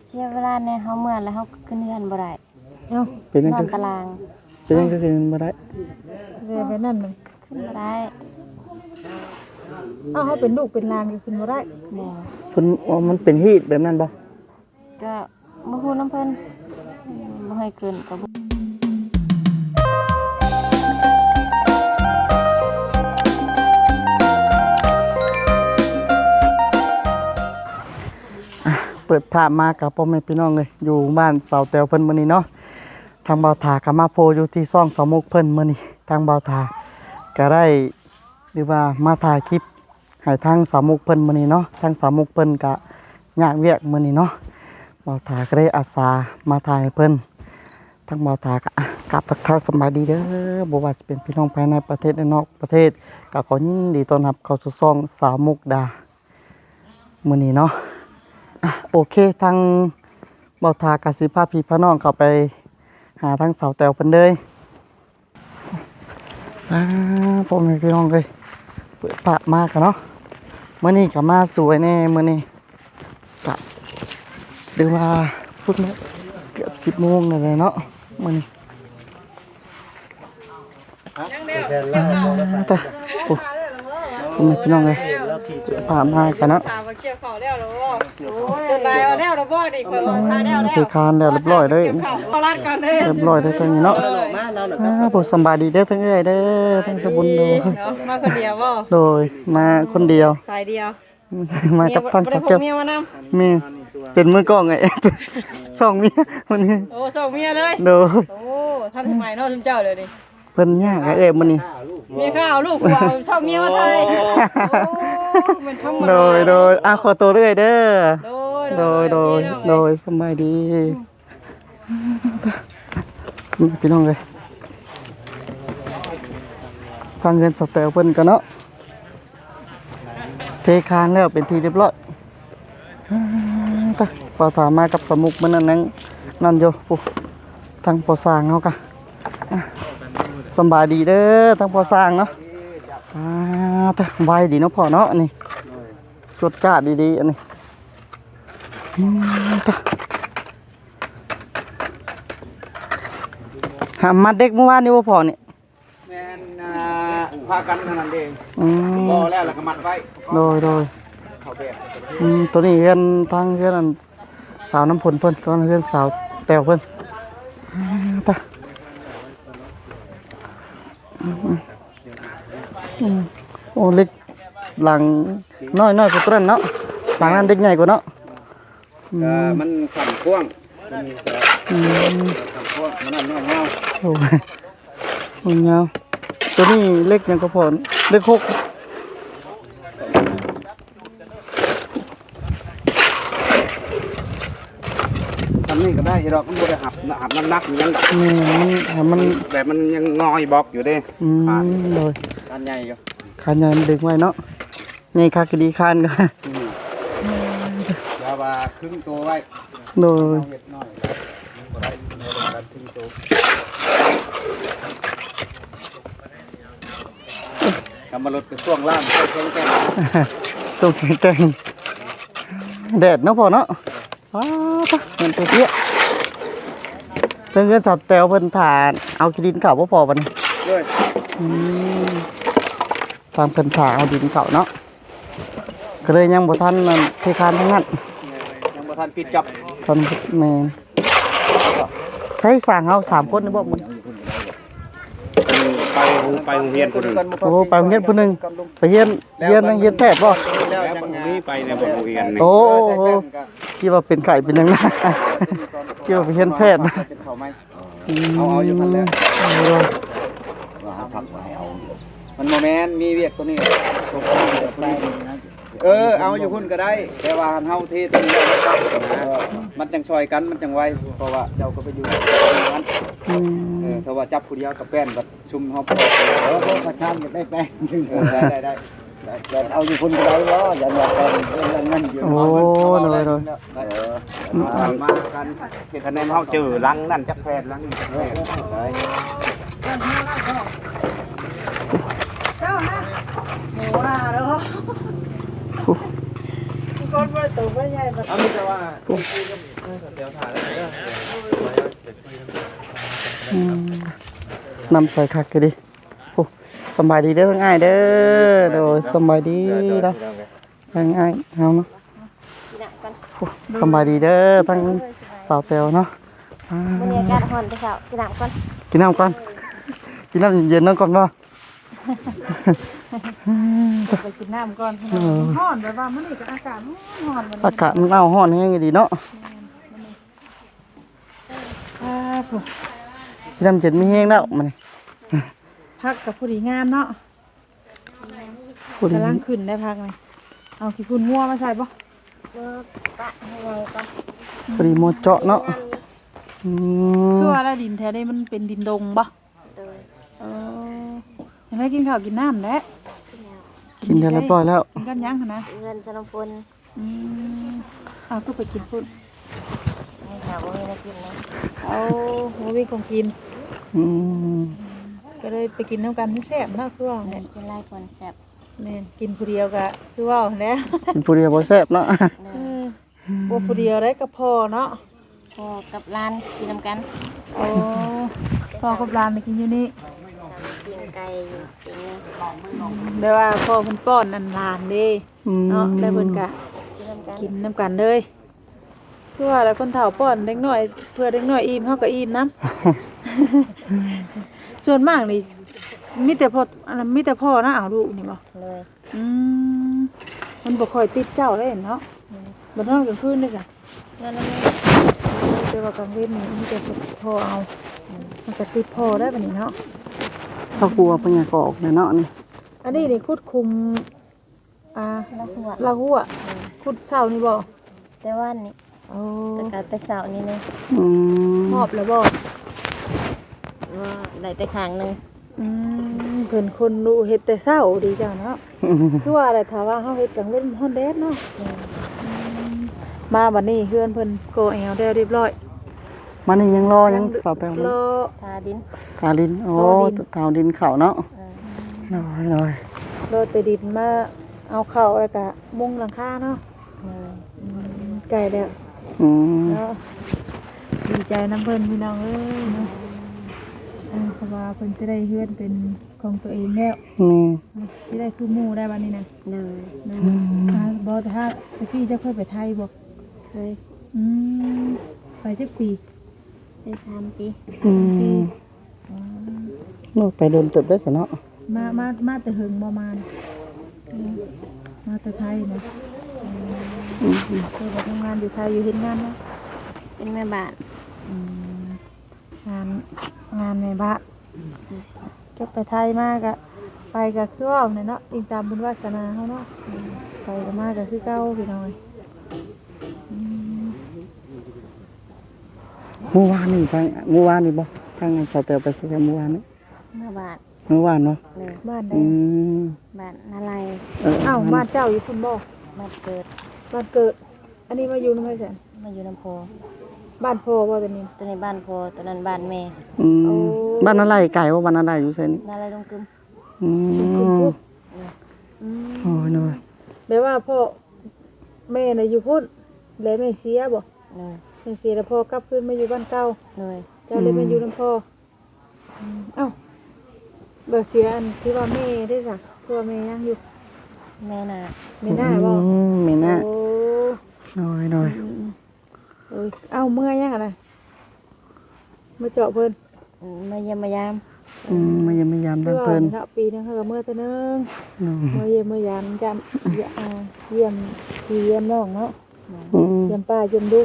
เสียเวลาในเฮาเมื่อแล้วเฮาขึ้นเรือนบ่ได้เอ้าเป็นยังนอคืนอตารางเป็นยังคือบ่ได้เรือไปนั่นมันขึ้นบ่ได้เอ้าเขาเป็นลูกเป็นหลานก็ขึ้นบ่ได้บ่เพิ่นว่ามันเป็นฮีตแบบนั้นบ่ก็บ่ฮู้นำเพิ่นบ่ให้ขึ้นก็บ่เปิดภาพมากับพ่อแม่พี่น้องเลยอยู่บ้านเสาแตวเพิ่นมื้อนี้เนาะทางเบาถาก็มาโพอยู่ที่ซ่องสามุกเพิ่นมื้อนี้ทางเบาถาก็ได้หรือว่ามาถ่ายคลิปให้ทางสามุกเพิ่นมื้อนี้เนาะทางสามุกเพิ่นก็ยากเวียกมื้อนี้เนาะเบาถาก็ได้อาสามาถ่ายให้เพิ่นทางเบาถาก็กราบทักทายสบายดีเด้อบ่ว่าสิเป็นพี่น้องภายในประเทศและนอกประเทศก็ขอยินดีต้อนรับเข้าสู่ซ่องสาวมุกดามื้อนี้เนาะ โอเคทางเบาทากสิภาพี่พน้องเข้าไปหาทางเสาแตวเพิ่นเลยพ่อแม่พี่น้องเลยเปิดปะมากกันเนาะมื้อนี้ก็มาสวยแน่มื้อนี้กะหรือว่าพูดไหมเกือบ10 โมงนั่นแหละเนาะมื้อนี้แต่โอ้พ่อแม่พี่น้องเลยเปิดปะมากกันเนาะถามว่าเกี่ยวข้าวแล้วหรอบ่จนได้เอาแล้วหรอบ่ดิเปิดทาแล้วแล้วคือคานแล้วเรียบร้อยเลยเอาลัดกันเด้เรียบร้อยได้ทั้งนี้เนาะผมสำบายดีเด้อทั้งเอ้ยเด้อทั้งสบุญโดยมาคนเดียวบ่โดยมาคนเดียวสายเดียวมากับทางบ่สัได้กพเก็กบเมียมานำมีเป็นมือกล้องไง สองเมียวันนี้โอ้ส่งเมียเลยโดยโอ้ท่านทำไมเนาะจุนเจ้าเดี๋ยวนี้เพิ่นยากเอ้ยมื้อนี้มีข้าวลูกว่าชอบเมียมาไทยโอ้มันธรรมดาโดยขอตัวเรื่อยเด้อโดยโดยสบายดีพี่น้องเลยทางเงินสแตลเพิ่นกันเนาะเทคานแล้วเป็นทีเรียบร้อยพอถามมากับสมุกมันนั่นโยปุ๊ทางพอสร้างเขากะสบายดีเด้อทางพอสร้างเนาะไวดีเนาะพ่อเนาะนี่จดจ้าดีๆอันนี้หามาเด็กเมื่อวานนี่ว่าพ่อนี่แม่นพากันเท่านั้นเองบ่แล้วก็มัดไว้โดยเขาแบบตัวนี้เฮือนทางเฮือนอันสาวน้ำผลเพิ่นก็เฮือนสาวแต้วเพิ่นโอ้เล็กหลังน้อยกว่าตัวนั้นเนาะหลังนั้นเด็กใหญ่กว่าเนาะมันขันพ่วงมันมีแต่ขันพ่วงมันนั่นเงาโอ้ยมันยาวตัวนี้เล็กยังก็พอเล็ก6 ทำนี่ก็ได้ดอกมันบ่ได้หับน้ำหนักมันยังดอกนี่มันแบบมันยังงอยบอกอยู่เด้เลยอันใหญ่อยู่คานใหญ่มันดึงไว้เนาะนี่คาคดีคานก็ยาว่าครึ่งตัวไว้โดยเห็ดน้อยบ่ได้ครึ่งตัวกำมาลดกับช่วงล่างช่วงแก้มส่งแกงแดดเนาะพอเนาะเงินตัวเตี้ยเพิ่นเงินสอดแตวเพิ่นฐานเอาดินเก่าบ่พอบัดนี้ด้วยตามเพิ่นถ่าเอาดินเก่าเนาะก็เลยยังบ่ทันนั่นเทคานทั้งนั้นยังบ่ทันปิดจับตอนแม่นใช้สร้างเฮา3คนนี่บ่มันไปโรงเรียนคนหนึ่งโอ้ไปโรงเรียนผู้หนึงไปเรียนนั่งเรียนแพทย์บ่แล้วจังนี้ไปในโรงเรียนนี่โอ้คิดว่าเป็นไข้เป็นหยังนะคิดว่าไปเรียนแพทย์นะเอาอยู่พันแล้วมันโมเมนต์มีเวียกตัวนี้เอาอยู่พุ่นก็ได้แต่ว่าเฮาเทตัวนี้มันจังซอยกันมันจังไวเพราะว่าเจ้าก็ไปอยู่นั้นถ้าว่าจับผู้เดียวกับแป้นแบบชุมเฮาพอประชานจะได้แป้งได้เอาอยู่พุ่นก็ได้เนาะอย่าแป้งนั่นอยู่โอ้เลยมากันเฮ็ดคะแนนเฮาเจอลังนั่นจักแพนลังนี่จักแพนได้เจ้านะหมูว่าเด้อคนบ่ตูบ่ใหญ่บ่เอามีแต่ว่าอืมนำใส่คักก็ดิโอ้สำบายดีเด้อทั้งอ้ายเด้อโดยสำบายดีนะทั้งอ้ายเฮาเนาะโอ้สำบายดีเด้อทั้งสาวแตวเนาะอ่ามื้อนี้อากาศร้อนเด้อเจ้ากินน้ำก่อนกินน้ำก่อนกินน้ำเย็นๆนั่นก่อนบ่ไปกินน้ำก่อนร้อนแบบว่ามันนี่ก็อากาศร้อนมันอากาศมันเอาร้อนแฮงดีเนาะครับกินน้ำเย็นมีแฮงแล้วมันนี่พักกับผู้ดีงามเนาะพูดกำลังขึ้นได้พักเลยเอาขี้ฝุ่นงัวมาใส่บ่ปะให้ไงก่อนพอดีหมดเจาะเนาะอืมคือว่าแล้วดินแถวนี้มันเป็นดินดงบ่โดยยังได้กินข้าวกินน้ำแล้วกินได้เรียบร้อยแล้วกินกันยังหั่นนะเงินสนมพลเอาก็ไปกินพุ่นให้สาวบ่มีได้กินนะเอาโมวิของกินอืมก็เลยไปกินน้ำกันที่แซ่บเนาะคือว่าเงินกินหลายคนแซ่บแม่นกินผู้เดียวก็คือว่าแล้วกินผู้เดียวบ่แซ่บเนาะเด้เอออบ่ผู้เดียวได้ก็พอเนาะพ่อกับหลานกินนำกันโอ้พ่อกับหลานไปกินอยู่นี่กินไก่อยู่กินเนื้อได้ว่าพ่อเพิ่นป้อนอันหลานเด้อืมเนาะได้เพิ่นก็กินนำกันกินน้ำกันเลยคือว่าแล้วคนเฒ่าป้อนเด็กน้อยเพื่อเด็กน้อยอิ่มเฮาก็อิ่มนํ ส่วนมากนี่มีแต่พ่ออันนั้นมีแต่พ่อนะเอาลูกนี่บ่เลยอืมมันบ่ค่อยติดเจ้าเลยเนาะบ่นอนกลางคืนเด้อจ้ะนั่นน่ะแต่ว่ากลางเว้นนี่มีแต่พ่อเอามันก็ติดพ่อได้บัดนี้เนาะถ้ากลัวเป็นหยังก็ออกเลยเนาะนี่อันนี้นี่คุดคุมละสวดละหัวคุดเช้านี่บ่แต่ว่านี่โอ้แต่ก็แต่เช้านี่นึงอืมหอบแล้วบ่ว่าได้แต่ข้างนึงเพิ่นคนรู้เฮ็ดแต่เช้าดีจังเนาะ คือว่าอะไรถ้าว่าเฮาเฮ็ดกลางเว้นฮ้อนแดดเนาะมาบัดนี้เฮือนเพิ่นโกแอวได้เรียบร้อยมันนี่ยังรอยังสาวแปลงรอทาดินกาลินโอ้กาลินกาวดินเข่าเนาะเออน้อยรอแต่ดินมาเอาเข้าแล้วก็มุงหลังคาเนาะเลยไก่แล้วอืมเนาะดีใจน้ำเพิ่นพี่น้องเอ้ยเนาะเพราะว่าเพิ่นสิได้เฮือนเป็นของตัวเองแล้วนี่สิได้คือหมู่ได้บัดนี้นะเลยบ่แต่ถ้าพี่จะค่อยไปไทยบ่เคยอืมไปจักปีได้3 ปีอืมนู่นไปโดนเติบได้ซะเนาะมาแต่เฮิงบ่มานี่มาแต่ไทยนะเคยไปทำงานอยู่ไทยอยู่เฮ็ดงานเนาะเป็นแม่บ้านงานในบ้านก็ไปไทยมากอะไปกับเครื่องเนี่ยเนาะอิงตามบุญวาสนาเขาเนาะไปกับมากกับคือเก้าพี่น้อยเมื่อวานนี่ทางเมื่อวานนี่บ่ทางสาวแตวไปใส่เมื่อวานนี่แม่บ้านเมื่อวานเนาะเลยบ้านใดอืมบ้านนาลายอ้าวบ้านเจ้าอยู่คุณบ่บ้านเกิดบ้านเกิด อันนี้มาอยู่น้ำไผ่แสนมาอยู่ลำโพงบ้านพ่อบ่ตัวนี้ตัวนี้บ้านพ่อตัวนั้นบ้านแม่อืมโอ้บ้านอะไรไก่ว่าบ้านอะไรอยู่ไสนี่นาลายลงกึมอืมโอ้ยน้อยแปลว่าพ่อแม่น่ะอยู่พุ่นแล้วแม่เสียบ่เลยแม่เสียแล้วพ่อกลับขึ้นมาอยู่บ้านเก่าเลยเจ้าเลยมาอยู่น้ำพ่อเอ้าเบอเสียอันที่ว่าแม่ได้สักตัวแม่ยังอยู่แม่น่ะไม่น่าบ่อืมไม่น่าโอ้น้อยเอ้ยเอ้าเมื่อยยังอะนะมาเจาะเพิ่นมาเยี่ยมมายามมายังไม่ยามเพิ่นเนาะปีนึงเขาก็เมื่อเท่านึงอืมเมื่อเยี่ยมเมื่อยามจำเยี่ยมพี่เยี่ยมน้องเนาะอืมเยี่ยมป้าเยี่ยมลุง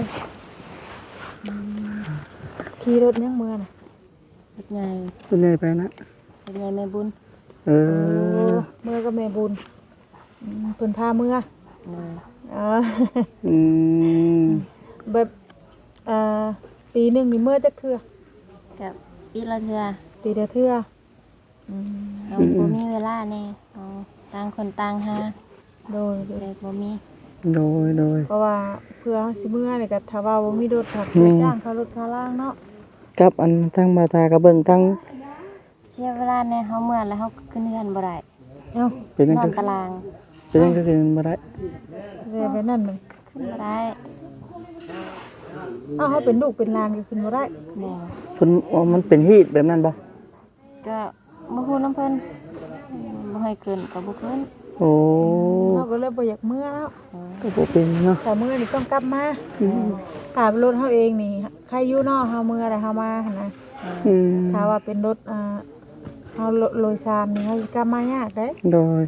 ขี่รถยังเมื่อน่ะรถใหญ่คุณยายไปนะรถใหญ่แม่บุญเออเมื่อก็แม่บุญเพิ่นพาเมื่อเลยอ๋ออืมแบบปีหนึงมีเมื่อจักเทื่อกับปีละเทื่อปีละเทื่อเราบ่มีเวลาแน่เอาต่างคนต่างหาโดยเด็กบ่มีโดยเพราะว่าเพื่อเฮาสิเมื่อนี่ก็ถ้าว่าบ่มีรถขับจ้างเขารถค่าล่างเนาะกับอันทั้งบาทากระเบิ่งทั้งเสียเวลาแน่เฮาเมื่อแล้วเฮาขึ้นเรือนบ่ได้เอ้าเป็นยังนอก็นตารางเป็นยังก็คือบ่ได้เรียไปนั่นมันขึ้นบ่ได้เฮาเป็นลูกเป็นหลานก็ขึ้นบ่ได้บ่เพิ่นว่ามันเป็นฮีตแบบนั้นบ่ก็บ่ฮู้นำเพิ่นบ่ให้ขึ้นก็บ่ขึ้นโอ้เฮาก็เลยบ่อยากเมื่อแล้วก็บ่เป็นเนาะแต่เมื่อนี่ต้องกลับมาถ้าเป็นรถเฮาเองนี่ใครอยู่เนาะเฮาเมื่อแล้วเฮามาหั่นนะอืมถ้าว่าเป็นรถเฮาโดยสารนี่เฮากลับมายากเด้โดย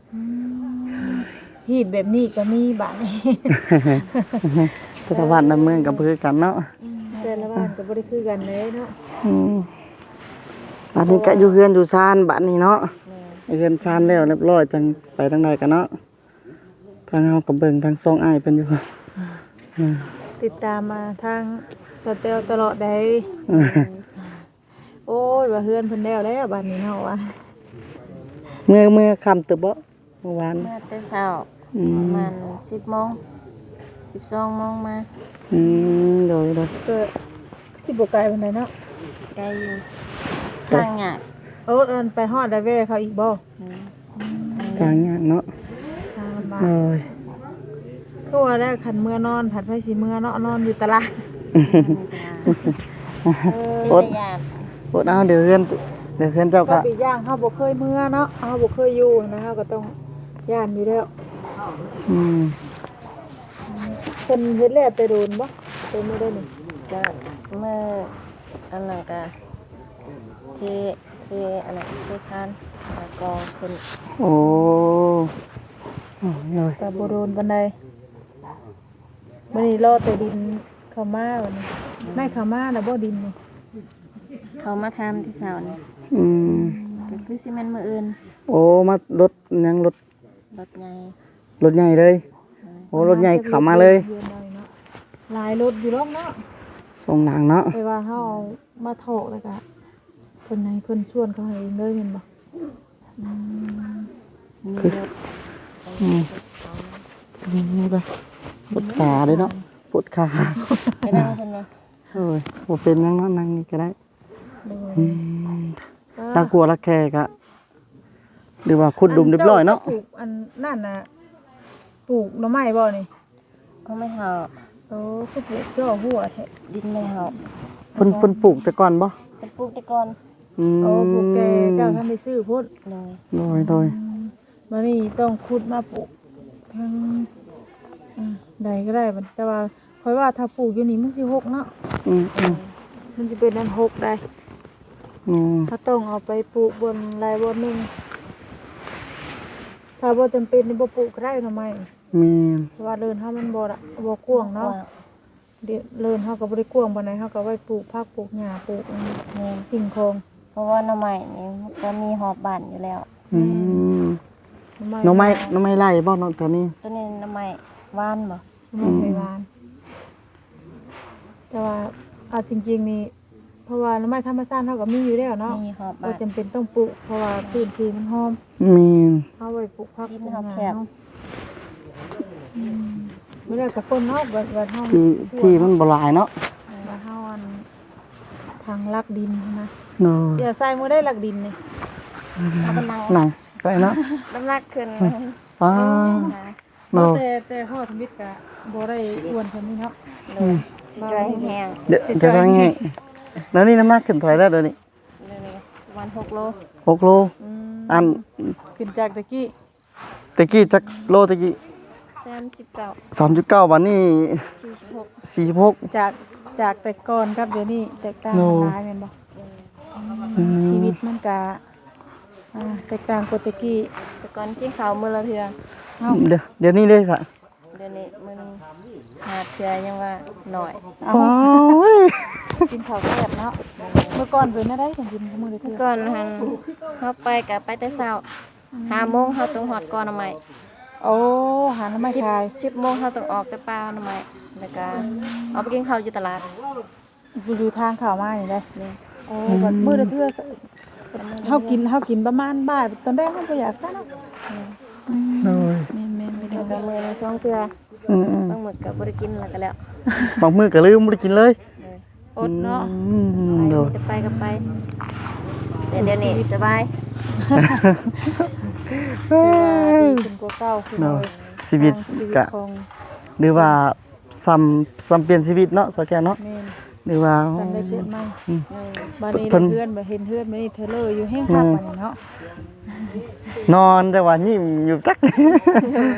ฮีตแบบนี้ก็มีบัดนี้แต่ละวันน้ำเมืองก็บ่คือกันเนาะแต่ละบ้านก็บ่ได้คือกันเลยเนาะอืมบัดนี้ก็อยู่เฮือนอยู่ซานบัดนี้เนาะเฮือนซานแล้วเรียบร้อยจังไปทางใดกันเนาะทางเฮาก็เบิ่งทางซองอ้ายเพิ่นอยู่อืมติดตามมาทางสเตลตลอดได้ โอ้ยว่าเฮือนเพิ่นแล้วบัดนี้เนาะว่าเมื่อค่ำตึกบ่เมื่อวานมาแต่เช้าอืประมมาณ10:00น12:00นมาโดยก็สิบ่ไกลปานใดเนาะไกลอยู่ทางยากโอ้อันไปฮอดได้แว่เขาอีกบ่ทางยากเนาะทางลำบากโอ้ยคือว่าแล้วคันเมื่อนอนผัดไผสิเมื่อเนาะนอนอยู่ตลาดอดอดเอาเดี๋ยวเฮือนเจ้าก็ก็ปีกอย่างเฮาบ่เคยเมื่อเนาะเฮาบ่เคยอยู่นะเฮาก็ต้องย่านอยู่แล้วอืมเพิ่นเฮ็ดแล้วแต่โดนบ่ไปเมื่อได้นี่ก็เมื่ออันนั้นก็เทอันนั้นเทคานแล้วก็ขึ้นโอ้เลยก็บ่โดนปานใดมื้อนี้รอแต่ดินเข้ามาบัดนี้ไม่เข้ามาแล้วบ่ดินนี่เขามาทำที่เช้านี่อืมก็คือสิแม่นมื้ออื่นโอ้มารถยังรถรถใหญ่ใหญ่เลย โอ้รถใหญ่เข้ามาเลยหลายรถอยู่รอบเนาะส่งหนังเนาะไปว่าเฮาเอามาโถกแล้วก็เพิ่นให้เพิ่นชวนเขาให้เองเลยแม่นบ่มีรถอืมนี่เลยปวดขาเลยเนาะปวดขาไปนั่งเพิ่นว่าโอ้ยบ่เป็นยังเนาะนั่งนี่ก็ได้โดยอืมน่ากลัวละแค่กะหรือว่าขุดดุมเรียบร้อยเนาะปลูกอันนั่นน่ะปลูกหน่อไม้บ่นี่เขาไม่เฮาโอ้คือปลูกจ่อหัวแท้ดินไม่เฮาเพิ่นปลูกแต่ก่อนบ่เพิ่นปลูกแต่ก่อนอืมโอ้ปลูกแกเจ้าท่านได้ซื้อพุ่นเลยโดยมานี่ต้องขุดมาปลูกทั้งใดก็ได้บัดแต่ว่าค่อยว่าถ้าปลูกอยู่นี่มันสิหกเนาะอืมมันจะเป็นอันหกได้อืมถ้าต้องเอาไปปลูกบนลายบนหนึงถ้าบ่จำเป็นนี่บ่ปลูกก็ได้หน่อไม้มีเพราะว่าเดินเฮามันบ่กว้างเนาะเดี๋ยวเดินเฮาก็บ่ได้กว้างปานใดเฮาก็ไว้ปลูกผักปลูกหญ้าปลูกอันนี้แม่นสิ่งของเพราะว่าหน่อไม้นี่มันก็มีหอบบ้านอยู่แล้วอืมหน่อไม้ไล่บ่เนาะตัวนี้ตัวนี้หน่อไม้หวานบ่หน่อไม้ไผหวานแต่ว่าเอาจริงๆนี่เพราะว่าหน่อไม้ธรรมชาติเฮาก็มีอยู่แล้วเนาะมีหอบบ่บ้านจำเป็นต้องปลูกเพราะว่าพื้นที่มันหอมมีเอาไว้ปลูกผักดินปลูกเฮาหแคญ้าบเนาะไม่ได้กับคนเนาะบัดเฮาที่มันบ่หลายเนาะบัดเฮาอันทางลักดินนะเนาะเดี๋ยวใส่มือได้ลักดินนี่เอาไปนั่งนั่งไปเนาะน้ำหนักขึ้นป้าเนาะแต่ฮอดทมิตรก็บ่ได้อ้วนเพิ่นนี่เนาะเลยจะจอยแห้งเดี๋ยวจะว่าไงแล้วนี่น้ำหนักขึ้นเท่าไหร่แล้วเดี๋ยวนี้ๆเลยประมาณ6 โล 6 โล อันขึ้นจากตะกี้ตะกี้จักโลตะกี้ 39 3.9บัดนี้ 46 46 จากแต่ก่อนครับเดี๋ยวนี้แตกต่างกันหลายแม่นบ่ชีวิตมันก็แตกต่างกว่าตะกี้แต่ก่อนกินข้าวมื้อละเทื่อเฮาเดี๋ยวนี้เลยค่ะเดี๋ยวนี้มื้อหนึงหาเทื่อยังว่าน้อยเอาโอ้ยกินข้าวแซ่บเนาะเมื่อก่อนเป็นอะไรกันกินมื้อละเมื่เทื่ออก่อนหันเฮาไปก็ไปแต่เช้า5 โมงเฮาต้องฮอดก่อนหน่อไม้โอ้หาน้ำไม้ขาย 10 โมงเฮาต้องออกแต่ป่าหน่อไม้แล้วก็เอาไปกินข้าวอยู่ตลาดอยู่ทางข่าวมานี่ได้นี่โอ้บัดมื้อละเทื่อเฮากินประมาณบ่ายตอนแรกเฮาบ่อยากซะเนาะโอ้ยแม่นๆไปแล้เด้วอก็มื้อหนึง2เทื่ออืมบางมื้อก็บ่ได้กินแล้วก็แล้วบางมื้อก็ลืมบ่ได้กินเลยอดเนาะไปโดมีแต่ไปก็ไปแต่เดี๋ยวนี้สบายคือว่าดีขึ้นกว่าเก่าคือเนาะโดยชีวิตชีวิตกะของหรือว่าซ้ำเปลี่ยนชีวิตเนาะสแกนเนาะแม่นหรือว่าจำได้เกิดใหม่โดยบัดนี้เพิ่นเพื่อนบ่เห็นเพื่อนบ่นี่เทเลอร์อยู่แห้งคักบัดนี้เนาะนอนแต่ว่ายิ้มอยู่จักโดย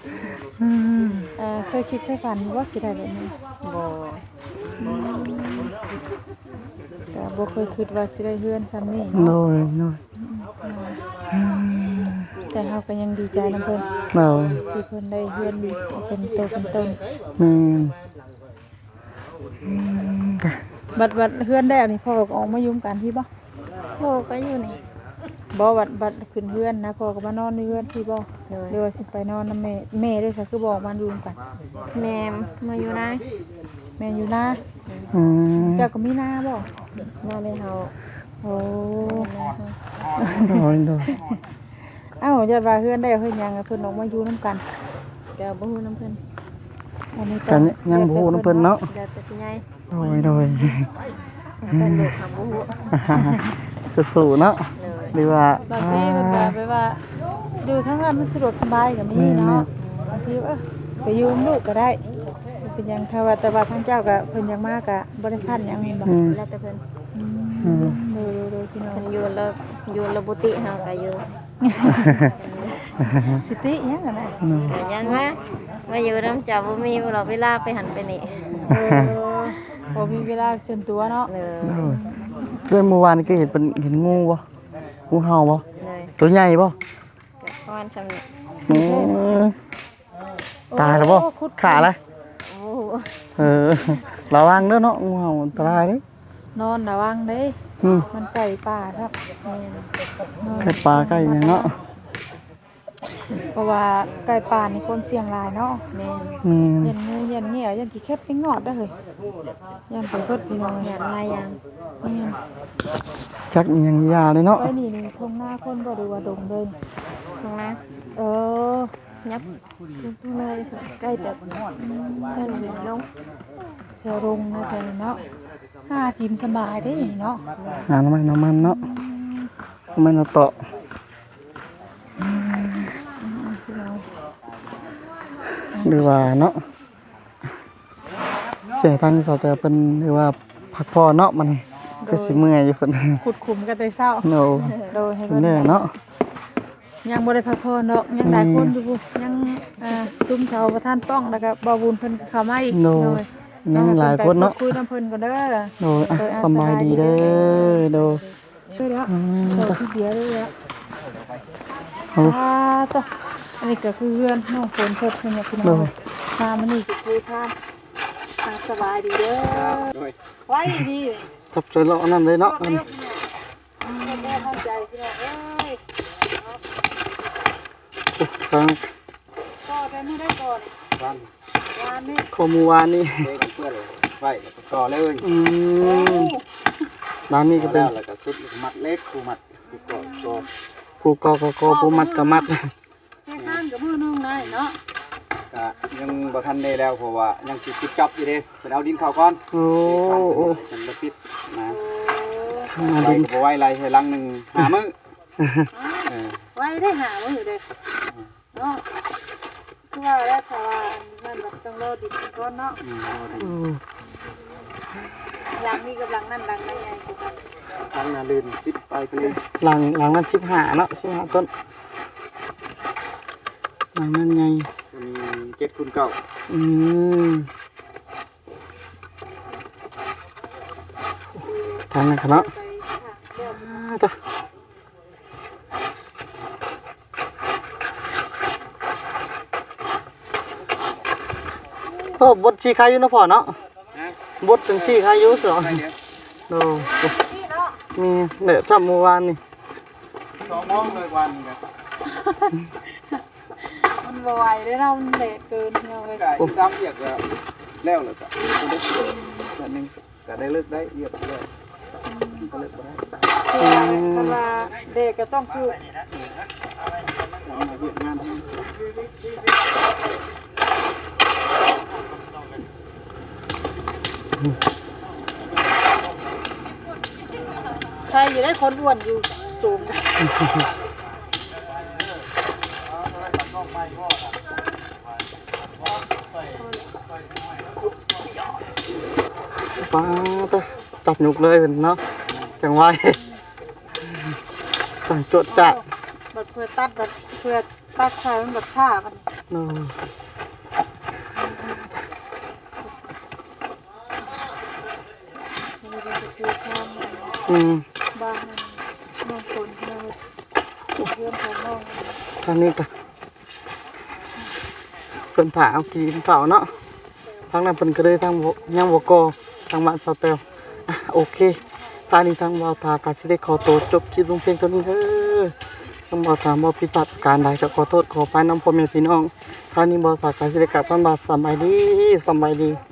เคยคิดเคยฝันว่าสิได้แบบนี้บ่แต่บ่เคยคิดว่าสิได้เฮือนซ้ำนี่โดเนาะยแต่เฮาก็ยังดีใจนํเพิ่นโดยที่เพิ่นได้เฮือนเป็นโตเป็นตนแม่นบัดเฮือนได้อันนี้พ่อก็ออกมายุ่มกันพี่บ่พ่อก็อยู่นี่บ่บัดขึ้นเฮือนนะพ่อก็มานอนในเฮือนพี่บ่โดยหรือว่าสิไปนอนนำแม่ได้ซะคือบ่มายุ่มกันแม่มาอยู่นะแม่อยู่นาอืมเจ้าก็มีนาบ่น่าได้เฮาโอ้โดยโดยเอ้าอย่าว่าเฮือนได้เพิ่นยังเพิ่นออกมาอยู่นํกันก็บ่ฮู้นํเพิ่นอันนี้กันยังบ่ฮู้นำเพิ่นเนาะเดี๋ยวแต่พี่ใหญ่โดยแต่ลูกทำบ่ฮู้สู้ๆเนาะเลยหรือว่าบางทีเพิ่นก็ไปว่าอยู่ทั้งนั้นมันสะดวกสบายก็มีเนาะบางทีไปอยู่กับลูกก็ได้เป็นหยังถ้าว่าแต่ว่าทางเจ้าก็เพิ่นยังมาก็บ่ได้คันหยังแม่นบ่อืมแล้วแต่เพิ่นดูพี่น้องเพิ่นอยู่ระบุติเฮาก็อยู่สิติหยังกันนะก็ยันมาอยู่นำเจ้าบ่มีหรอกเวลาไปหันไปนี่บ่มีเวลาส่วนตัวเนาะเลยโดยเจ้าเมื่อวานก็เห็นงูบ่งูเห่าบ่เลยตัวใหญ่บ่ก็ประมาณซ้ำนี้อืมตายแล้วบ่ขาละโอ้โหระวังเด้อเนาะงูเห่าอันตรายเด้นอนระวังเด้อืมมันไก่ป่าครับแม่นไก่ปลาไก่หยังเนาะเพราะว่าไก่ป่านี่คนเสี่ยงหลายเนาะแม่นอืมยันงูยันเหี้ยวยันกี่แคบไปงอดได้อเฮ้ยยันไปเพิดพี่น้องหยาดลายอย่างนี่จักอีหยังยาเลยเนาะไอ้นี่ทงหน้าคนบ่ได้ว่าดงเลยข้างหน้าเออยับเลยใกล้แต่เพิ่นลงแถวรงนะแถวนี้เนาะหากินสบายได้เนาะหาน้ำมันเนาะน้ำมันเอาเตาะพี่น้องหรือว่าเนาะเสียทางเสาแต่เป็นหรือว่าพักผ่อนเนาะมันก็สิเมื่อยอยู่เพิ่นขุดขุมกันแต่เช้าโนโดยให้เพิ่เพิ่นนแน่เนาะยังบ่ได้พักผ่อนเนาะยังหลายคนอยู่ยังซุ้มเชาวประธานป้องแล้วก็บ่าวบุญเพิ่นเข้ามาอีกโนยังหลายคนเนาะคุยน้ำเพิ่นก่อนเด้อโดยอ่ะสำบายดีเด้อโดยเด้อแล้วโตที่เดียวเด้อแล้วเอาต่ออันนี้ก็คือเพื่อนน้องฝนเพิ่นเพิ่นเนี่ยพี่น้องมามื้อนี้ก็คุยทางสบายดีเด้อโดยไว้ดีจับใจเราอันนั้นเลยเนาะแม่มั่นใจพี่น้องเอ้ยทางก็แต่มื้อได้ก่อนวันวานนี้ข้อมูลวานนี่เด็กเพื่อนไว้แล้วก็ต่อเลยร้านนี้ก็เป็นแล้วก็สุดมัดเล็กคูมัดคูก่อก่อผู้กอกผู้มัดกะมัดแค่ข้างกับมื้อนึงได้เนาะก็ยังบ่ทันได้แล้วเพราะว่ายังสิปิดจับอยู่เด้เป็นเอาดินเข้าก่อนโอ้โอ้มันบ่ปิดนะทางมาไว้ดินก็บ่ไว้ไรให้ลังหนึง5มื้อเออไว้ได้หามื้อเด้อเนาะคือว่าแล้วแต่ว่ามันแบบต้องรอดิบก่อนเนาะ หลังนี้กับหลังนั่นหลังนั่นไงคือกันลังน่ะลื่น10ไปเลยหลังนั้น15เนาะ15ต้นหลังนั้นไงมี7คูณ9 อืมทางนั้นครับเนาะต่อโอ้บดชีคายุนะพ่อเนาะนะบดจังชีคายุสองไปเดี๋ยวโอ้มีเดี๋ยวจำเมื่อวานนี่ 2โมงเลยวันนึงก็มันบ่ไหวได้เรามันเลทเกินเนาะเลยก็ตามเรียกแล้วแล้วก็อันนึงก็ได้เลิกได้เรียบร้อยก็เลิกบ่ได้คือว่าเด็กก็ต้องสู้มาเวียดงานให้ใครอยู่ได้คนอ้วนอยู่สูงป้าตะจับหนุกเลยเพิ่นเนาะจังไว้จังจดจัดบัดเพื่อตัดบัดเพื่อตัดใส่มันบัดช้ามันเนาะมันจะคือทางอืมบ้านน้องคนน้องเพื่อนของน้องทางนี้ก็เพิ่นถ่าเอากินข้าวเนาะทางนั้นเพิ่นก็เลยทางบ่ยังบ่ก่อทางบ้านสาวแตวอ่ะโอเคทางนี้ทางบ่าวทาก็สิได้ขอตัวจบคลิปลงเพียงเท่านี้เด้อทางบ่าวทาบ่ผิดพลาดประการใดก็ขอโทษขออภัยนำพ่อแม่พี่น้องทางนี้บ่าวทาก็สิได้กลับบ้านบาดสำบายดี